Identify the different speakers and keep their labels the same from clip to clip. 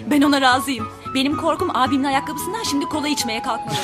Speaker 1: Ben ona razıyım. Benim korkum abimin ayakkabısından şimdi kola içmeye kalkmalı.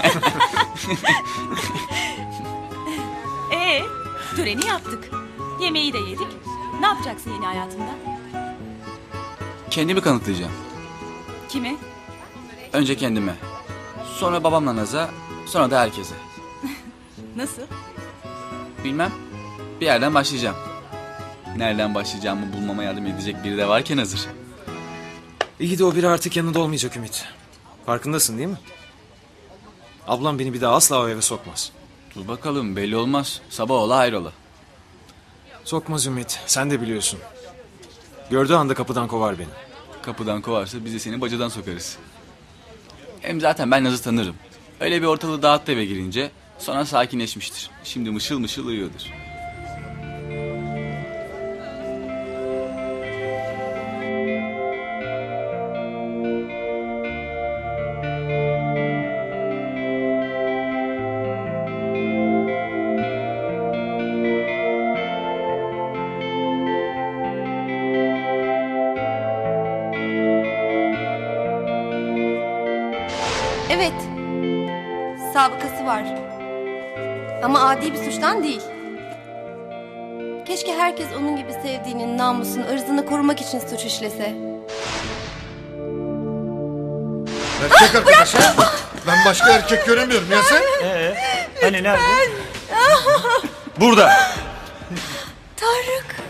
Speaker 1: Töreni yaptık. Yemeği de yedik. Ne yapacaksın yeni hayatında?
Speaker 2: Kendimi kanıtlayacağım.
Speaker 1: Kime?
Speaker 2: Önce kendime. Sonra babamla Naz'a. Sonra da herkese.
Speaker 1: Nasıl?
Speaker 2: Bilmem. Bir yerden başlayacağım. Nereden başlayacağımı bulmama yardım edecek biri de varken hazır.
Speaker 3: İyi de o biri artık yanında olmayacak Ümit. Farkındasın değil mi? Ablam beni bir daha asla o eve sokmaz.
Speaker 2: Dur bakalım, belli olmaz. Sabah ola hayrola.
Speaker 3: Sokmaz Ümit, sen de biliyorsun. Gördüğü anda kapıdan kovar beni.
Speaker 2: Kapıdan kovarsa biz de seni bacadan sokarız. Hem zaten ben Naz'ı tanırım. Öyle bir ortalığı dağıttı eve girince sonra sakinleşmiştir. Şimdi mışıl mışıl uyuyordur.
Speaker 4: Evet. Sabıkası var. Ama adi bir suçtan değil. Keşke herkes onun gibi sevdiğinin namusunu, ırzını korumak için suç işlese.
Speaker 5: Erkek arkadaş ha? Ben başka erkek göremiyorum ya sen?
Speaker 6: Hani nerede? Burada.
Speaker 4: Tarık.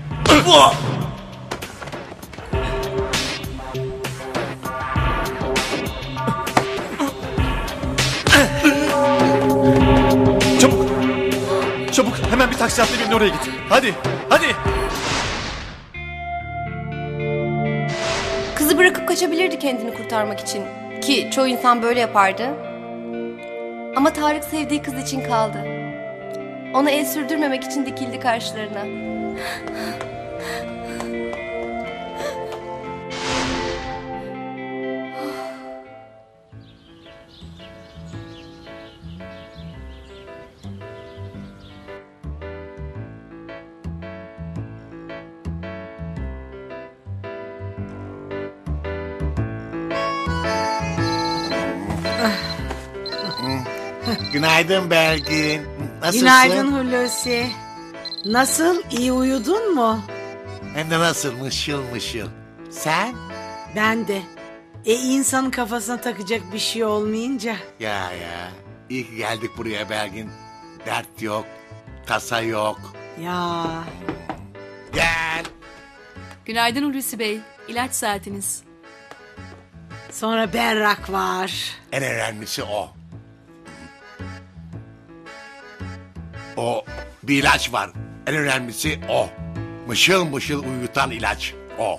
Speaker 6: Çabuk. Çabuk hemen bir taksi atla birini oraya git. Hadi. Hadi.
Speaker 4: Kızı bırakıp kaçabilirdi kendini kurtarmak için. Ki çoğu insan böyle yapardı. Ama Tarık sevdiği kız için kaldı. Ona el sürdürmemek için dikildi karşılarına.
Speaker 5: Günaydın Belgin. Nasılsın?
Speaker 7: Günaydın Hulusi. Nasıl? İyi uyudun mu?
Speaker 5: Hem de nasıl mışıl mışıl. Sen?
Speaker 7: Ben de. İnsanın kafasına takacak bir şey olmayınca.
Speaker 5: Ya. İyi ki geldik buraya Belgin. Dert yok. Tasa yok.
Speaker 7: Ya.
Speaker 5: Gel.
Speaker 1: Günaydın Hulusi Bey. İlaç saatiniz.
Speaker 7: Sonra berrak var.
Speaker 5: En önemlisi o. O bir ilaç var. En önemlisi o. Mışıl mışıl uyutan ilaç. O.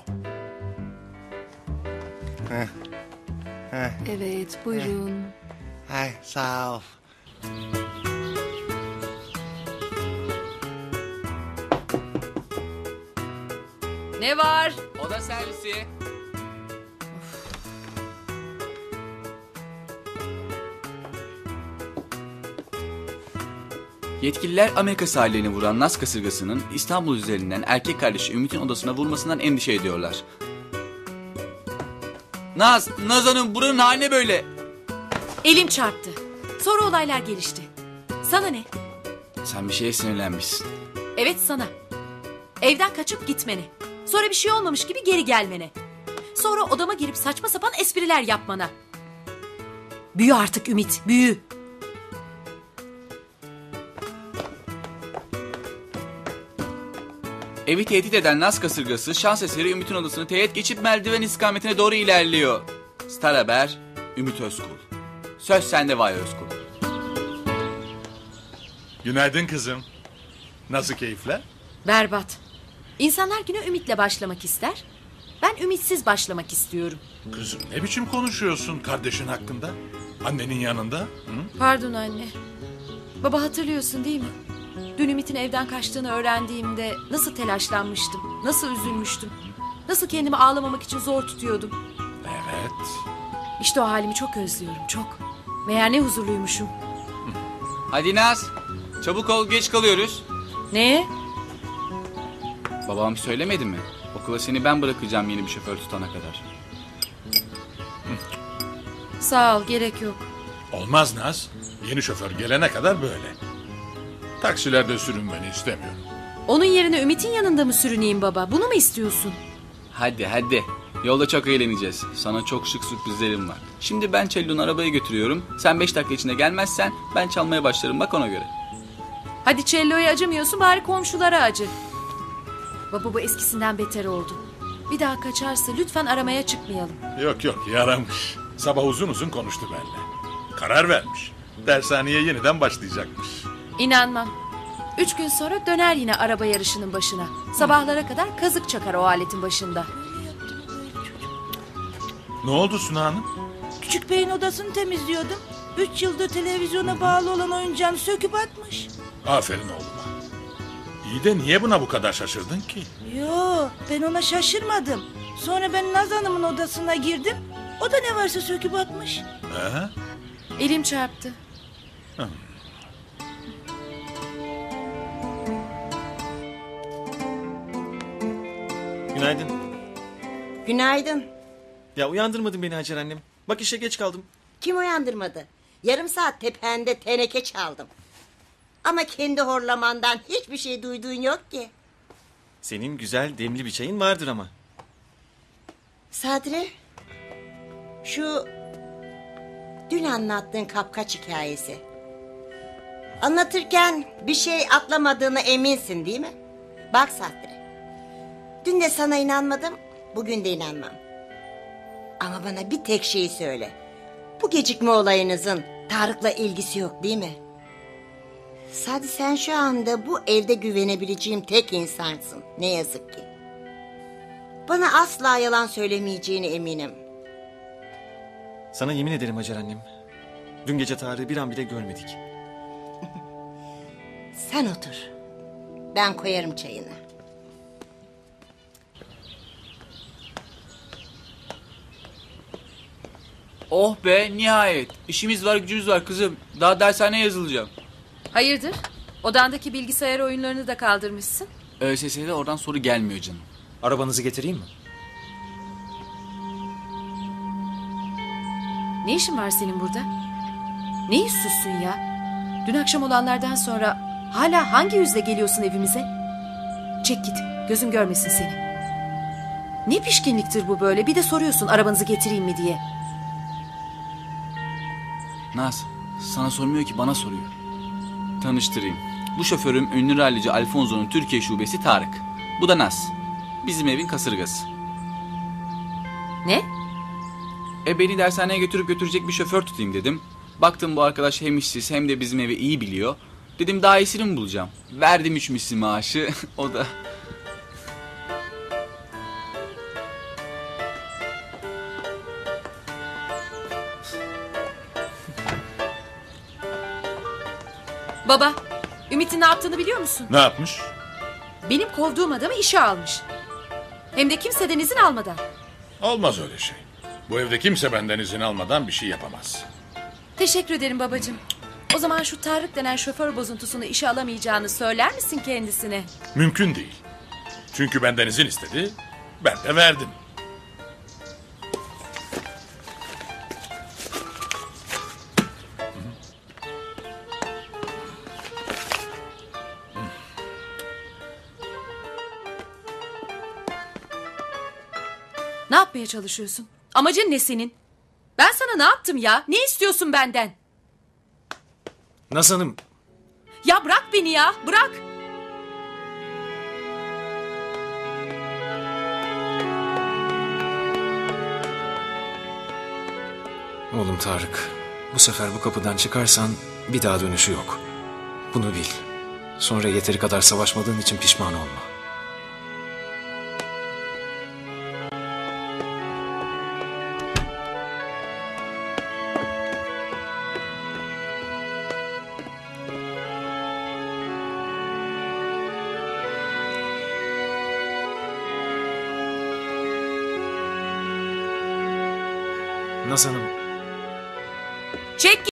Speaker 1: Evet, buyurun.
Speaker 5: Ay sağ ol.
Speaker 1: Ne var?
Speaker 2: Oda servisi. Yetkililer Amerika sahillerini vuran Naz kasırgasının İstanbul üzerinden erkek kardeşi Ümit'in odasına vurmasından endişe ediyorlar. Naz Hanım buranın haline böyle.
Speaker 1: Elim çarptı. Sonra olaylar gelişti. Sana ne?
Speaker 2: Sen bir şeye sinirlenmişsin.
Speaker 1: Evet sana. Evden kaçıp gitmene. Sonra bir şey olmamış gibi geri gelmene. Sonra odama girip saçma sapan espriler yapmana. Büyü artık Ümit, büyü.
Speaker 2: Evi tehdit eden Naz kasırgası şans eseri Ümit'in odasını teğet geçip merdiven istikametine doğru ilerliyor. Star Haber, Ümit Özkul. Söz sende Vay Özkul.
Speaker 8: Günaydın kızım. Nasıl keyifler?
Speaker 1: Berbat. İnsanlar güne ümitle başlamak ister. Ben ümitsiz başlamak istiyorum.
Speaker 8: Kızım ne biçim konuşuyorsun kardeşin hakkında? Annenin yanında? Hı?
Speaker 1: Pardon anne. Baba hatırlıyorsun değil mi? Dün Ümit'in evden kaçtığını öğrendiğimde nasıl telaşlanmıştım, nasıl üzülmüştüm. Nasıl kendimi ağlamamak için zor tutuyordum.
Speaker 8: Evet.
Speaker 1: İşte o halimi çok özlüyorum, çok. Meğer ne huzurluymuşum.
Speaker 2: Hadi Naz, çabuk ol geç kalıyoruz.
Speaker 1: Ne?
Speaker 2: Babam söylemedi mi? Okula seni ben bırakacağım yeni bir şoför tutana kadar.
Speaker 1: Sağ ol, gerek yok.
Speaker 8: Olmaz Naz. Yeni şoför gelene kadar böyle. Taksilerde sürünmeni istemiyorum.
Speaker 1: Onun yerine Ümit'in yanında mı sürüneyim baba? Bunu mu istiyorsun?
Speaker 2: Hadi hadi. Yolda çok eğleneceğiz. Sana çok şık sürprizlerim var. Şimdi ben Cello'nun arabaya götürüyorum. Sen 5 dakika içinde gelmezsen ben çalmaya başlarım, bak ona göre.
Speaker 1: Hadi cello'ya acımıyorsun, bari komşulara acı. Baba bu eskisinden beter oldu. Bir daha kaçarsa lütfen aramaya çıkmayalım.
Speaker 8: Yok yok, yaramış. Sabah uzun uzun konuştu benimle. Karar vermiş. Dershaneye yeniden başlayacakmış.
Speaker 1: İnanmam. 3 gün sonra döner yine araba yarışının başına. Sabahlara kadar kazık çakar o aletin başında.
Speaker 8: Ne oldu Suna Hanım?
Speaker 7: Küçük beyin odasını temizliyordum. 3 yıldır televizyona bağlı olan oyuncağını söküp atmış.
Speaker 8: Aferin oğluma. İyi de niye buna bu kadar şaşırdın ki?
Speaker 7: Yo, ben ona şaşırmadım. Sonra ben Naz Hanım'ın odasına girdim. O da ne varsa söküp atmış.
Speaker 8: He?
Speaker 1: Elim çarptı.
Speaker 3: Günaydın.
Speaker 9: Günaydın.
Speaker 3: Ya uyandırmadın beni Hacer annem. Bak işe geç kaldım.
Speaker 9: Kim uyandırmadı? Yarım saat tepende teneke çaldım. Ama kendi horlamandan hiçbir şey duyduğun yok ki.
Speaker 3: Senin güzel demli bir çayın vardır ama.
Speaker 9: Sadri, şu dün anlattığın kapkaç hikayesi. Anlatırken bir şey atlamadığına eminsin değil mi? Bak Sadri, dün de sana inanmadım, bugün de inanmam. Ama bana bir tek şeyi söyle. Bu gecikme olayınızın Tarık'la ilgisi yok değil mi? Sadri, sen şu anda bu evde güvenebileceğim tek insansın. Ne yazık ki. Bana asla yalan söylemeyeceğine eminim.
Speaker 3: Sana yemin ederim Hacer annem. Dün gece Tarık'ı bir an bile görmedik.
Speaker 9: Sen otur. Ben koyarım çayını.
Speaker 2: Oh be, nihayet. İşimiz var, gücümüz var kızım. Daha dershaneye yazılacağım.
Speaker 1: Hayırdır? Odandaki bilgisayar oyunlarını da kaldırmışsın.
Speaker 2: ÖSS'de oradan soru gelmiyor canım.
Speaker 3: Arabanızı getireyim mi?
Speaker 1: Ne işin var senin burada? Ne yüzsüzsün ya? Dün akşam olanlardan sonra hala hangi yüzle geliyorsun evimize? Çek git, gözüm görmesin seni. Ne pişkinliktir bu böyle? Bir de soruyorsun arabanızı getireyim mi diye.
Speaker 2: Naz, sana sormuyor ki, bana soruyor. Tanıştırayım. Bu şoförüm ünlü rallici Alfonso'nun Türkiye şubesi Tarık. Bu da Naz. Bizim evin kasırgası.
Speaker 1: Ne?
Speaker 2: Beni dershaneye götürecek bir şoför tutayım dedim. Baktım bu arkadaş hem işsiz hem de bizim evi iyi biliyor. Dedim daha iyisini mi bulacağım? Verdim 3 misli maaşı. O da...
Speaker 1: Baba, Ümit'in ne yaptığını biliyor musun?
Speaker 8: Ne yapmış?
Speaker 1: Benim kovduğum adamı işe almış. Hem de kimseden izin almadan.
Speaker 8: Olmaz öyle şey. Bu evde kimse benden izin almadan bir şey yapamaz.
Speaker 1: Teşekkür ederim babacığım. O zaman şu Tarık denen şoför bozuntusunu işe alamayacağını söyler misin kendisine?
Speaker 8: Mümkün değil. Çünkü benden izin istedi, ben de verdim.
Speaker 1: Ne yapmaya çalışıyorsun? Amacın ne senin? Ben sana ne yaptım ya? Ne istiyorsun benden?
Speaker 3: Naz Hanım.
Speaker 1: Ya bırak beni ya, bırak.
Speaker 3: Oğlum Tarık. Bu sefer bu kapıdan çıkarsan bir daha dönüşü yok. Bunu bil. Sonra yeteri kadar savaşmadığın için pişman olma. Naz Hanım.
Speaker 1: Çek